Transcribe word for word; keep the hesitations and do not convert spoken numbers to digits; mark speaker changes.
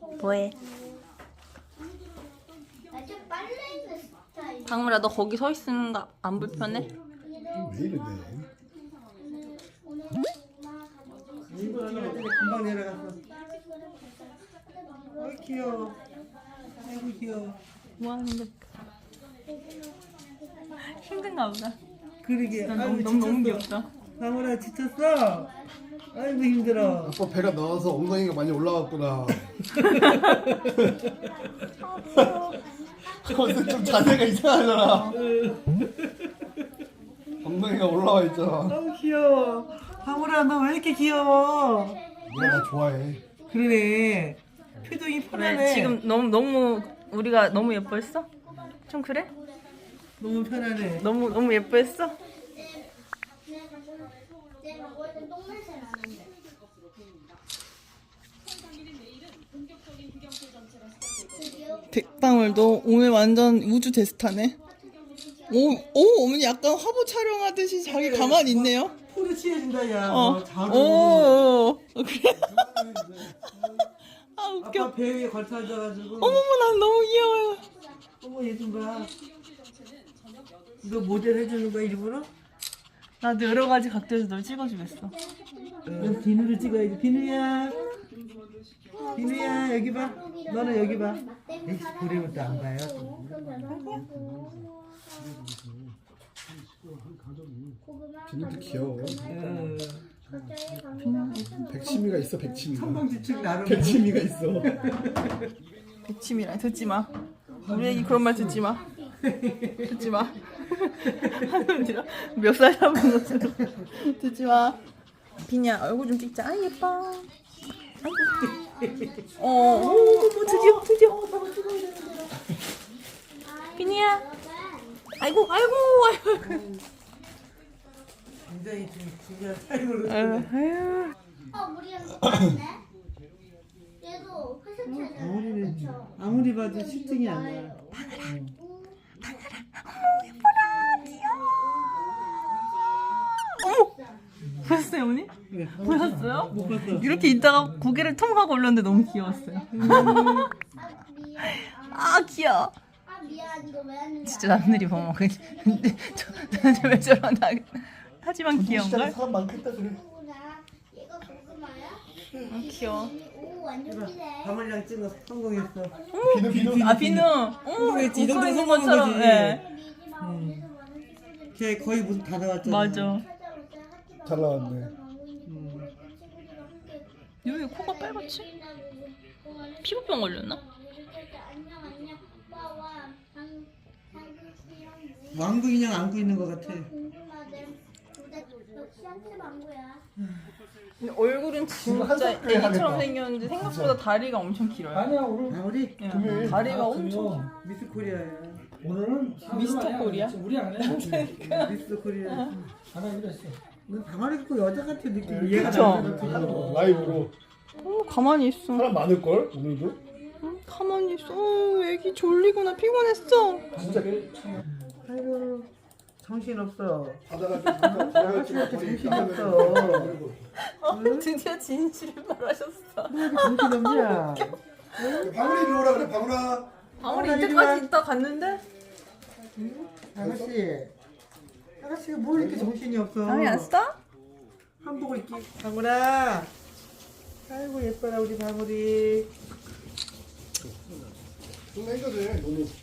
Speaker 1: 뭐해? 방울아, 너 거기 서 있는 거 안 불편해?
Speaker 2: 왜 이래?
Speaker 3: 금방 내려갔어. 아이 귀여워. 아이고 귀여워.
Speaker 1: 뭐 하는데? 힘든가 보다.
Speaker 3: 그러게.
Speaker 1: 난
Speaker 3: 아이고,
Speaker 1: 너무, 너무, 너무
Speaker 3: 지쳤어.
Speaker 1: 귀엽다.
Speaker 3: 방울아 지쳤어? 아이고 힘들어.
Speaker 2: 아빠 배가 나와서 엉덩이가 많이 올라왔구나. 근데 좀 자세가 이상하잖아. 엉덩이가 올라와 있잖아.
Speaker 3: 아우 귀여워. 방울아 너 왜 이렇게 귀여워?
Speaker 2: 내가 나 좋아해.
Speaker 3: 그러네. 표정이 편하네.
Speaker 1: 왜 지금 너무 너무 우리가 너무 예뻐했어? 좀 그래?
Speaker 3: 너무 편하네.
Speaker 1: 너무 너무 예뻐했어?
Speaker 4: 백방울도 오늘 완전 우주 대스타네. 오, 오, 어머니 약간 화보 촬영하듯이 자기 가만히 있네요.
Speaker 3: 포즈 취해준다 야.
Speaker 4: 어,
Speaker 3: 어, 잘
Speaker 4: 오, 오, 오. 그래. 아, 웃겨.
Speaker 3: 아빠 배 위에 걸터 앉아가지고.
Speaker 4: 어머머, 난 너무 귀여워요.
Speaker 3: 어머 얘 좀 봐. 이거 모델 해주는 거야 일부러?
Speaker 1: 나도 여러 가지 각도에서 널 찍어주겠어.
Speaker 3: 넌 비누를 찍어야지. 비누야. 비누야 여기 봐. 너는 여기 봐. 에이 보리면 또 안 봐요.
Speaker 2: 비누도 귀여워.
Speaker 3: 응.
Speaker 2: 백치미가 있어, 백치미가.
Speaker 3: 천방지축 나름.
Speaker 2: 백치미가 있어.
Speaker 4: 백치미랑 듣지 마. 우리 애기 그런 말 듣지 마. 듣지 마. 멱살 잡은 것으로 듣지 마. 비냐 얼굴 좀 찍자. 아 예뻐. 아이고. 어, 오, 뭐 드디어 드디어. 비니야. 아이고 아이고 아이고.
Speaker 3: 굉장히 좀 중요한 타임으로.
Speaker 4: 아유, 아유.
Speaker 5: 어, 우리가 똑같네. 얘도 회색
Speaker 3: 아무리
Speaker 5: 그쵸?
Speaker 3: 아무리 봐도 실증이 안 나.
Speaker 1: 보셨어요, 어머니?
Speaker 3: 그래.
Speaker 1: 보셨어요?
Speaker 3: 못 봤어.
Speaker 1: 이렇게 있다가 고개를 통 하고 올렸는데 너무 귀여웠어요.
Speaker 5: 아, 미안.
Speaker 1: 아 귀여워.
Speaker 5: 아, 미안. 이거 왜 하는지
Speaker 1: 진짜 남들이 보면 근데 저, 왜 저러나 하지만 귀여운 걸.
Speaker 2: 사람 많겠다 그래.
Speaker 5: 알구나. 얘가 고구마야?
Speaker 1: 아, 귀여워.
Speaker 5: 오, 완전 기네.
Speaker 3: 방울이랑 찍어 성공했어.
Speaker 2: 비누, 비누.
Speaker 1: 아 비누. 어,
Speaker 3: 성공했지. 이 정도면
Speaker 1: 있는
Speaker 3: 성공한
Speaker 1: 것처럼.
Speaker 3: 거지.
Speaker 1: 예.
Speaker 5: 미지 마.
Speaker 3: 음.
Speaker 5: 그래서 많은 친구들이
Speaker 3: 걔 거의 무슨 다 나왔잖아.
Speaker 1: 맞아.
Speaker 5: 찾아올 때 학교가
Speaker 2: 잘 나왔네.
Speaker 5: 친구들이랑 함께
Speaker 1: 여기 코가 빨갛지?
Speaker 5: 공원을
Speaker 1: 피부병 걸렸나?
Speaker 5: 안녕 안녕. 와, 와. 방- 방금 수영
Speaker 3: 왕구 인형 안고 있는 것 같아.
Speaker 5: 궁금하대. 근데 역시 한테 망고야.
Speaker 1: 근데 얼굴은 진짜
Speaker 2: 한석규
Speaker 1: 애기처럼
Speaker 2: 해야겠다.
Speaker 1: 생겼는데 생각보다 다리가 엄청 길어요.
Speaker 6: 아니야 오늘
Speaker 3: 방울이
Speaker 1: 예,
Speaker 2: 금요일.
Speaker 1: 다리가
Speaker 6: 아,
Speaker 1: 엄청.
Speaker 6: 금요.
Speaker 3: 미스 코리아야.
Speaker 6: 오늘은
Speaker 1: 미스터 코리아?
Speaker 6: 우리 안 해.
Speaker 3: 미스 코리아.
Speaker 6: 안 하기로 했어.
Speaker 3: 너 방울이 꼭 여자 같은 느낌이 얘가
Speaker 1: 그쵸?
Speaker 3: 나는
Speaker 2: 라이브로.
Speaker 4: 어, 가만히 있어.
Speaker 2: 사람 많을걸, 오늘도?
Speaker 4: 응, 가만히 있어. 어, 애기 졸리구나. 피곤했어.
Speaker 2: 진짜
Speaker 3: 아이고 정신 없어.
Speaker 2: 바다가 좀 바다가 좀
Speaker 3: 이렇게
Speaker 2: 거의
Speaker 3: 정신이
Speaker 2: 나가면
Speaker 3: 없어.
Speaker 1: 어, 드디어 진실을 말하셨어.
Speaker 3: 정신 없냐?
Speaker 2: 방울이 이리 오라 그래, 방울아.
Speaker 1: 방울이
Speaker 3: 방울아,
Speaker 1: 이때까지 있다 갔는데?
Speaker 3: 아가씨. 아가씨가 뭘 이렇게 정신이 없어?
Speaker 1: 방울이 안 써?
Speaker 3: 한복을 입기. 방울아. 아이고 예뻐라 우리 방울이.
Speaker 2: 좀 해줘도 돼, 너무.